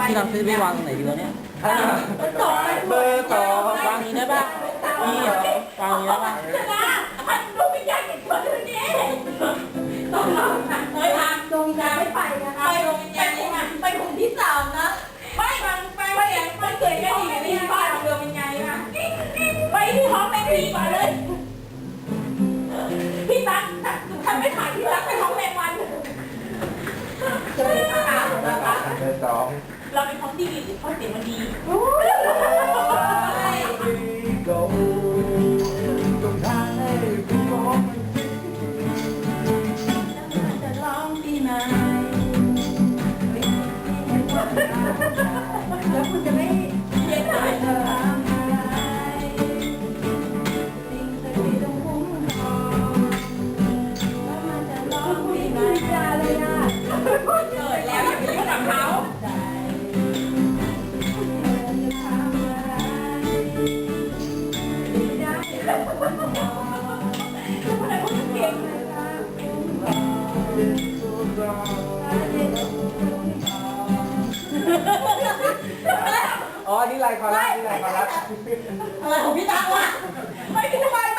ที่เราซื้อไปวางตรงไหนดีวะเนี่ยเบอร์ต่อวางนี้ได้ปะนี่เหรอวางนี้ได้ปะมันดูวิญญาณติดตัวอยู่นี่ต้องลองนะเฮ้ยทางดวงวิญญาณไม่ไปนะคะไปกลุ่มที่สามนะไม่มันเกิดแค่ดีที่บ้านดวงวิญญาณนะไปที่ห้องแมงวีก่อนเลยพี่ตั๊กทำไม่ถ่ายพี่ตั๊กไปห้องแมงวันเจอค่ะนะคะเบอร์สองเราเป็นห้องที่ดีห้องเสียงมันดีตรงทางให้คุณมองจะร้องที่ไหนแล้วคุณจะไม่เย็นหน่อยเหรอสิ่งศักดิ์สิทธิ์ต้องคุ้มครองแล้วมันจะร้องที่ไหนจะเลยอ่ะเกิดแล้วอย่าไปยุ่งกับเขาอ๋อนี่ไรคอรัสนี่ไรคอรัสอะไรของพี่ตาวะไม่พี่ทำไม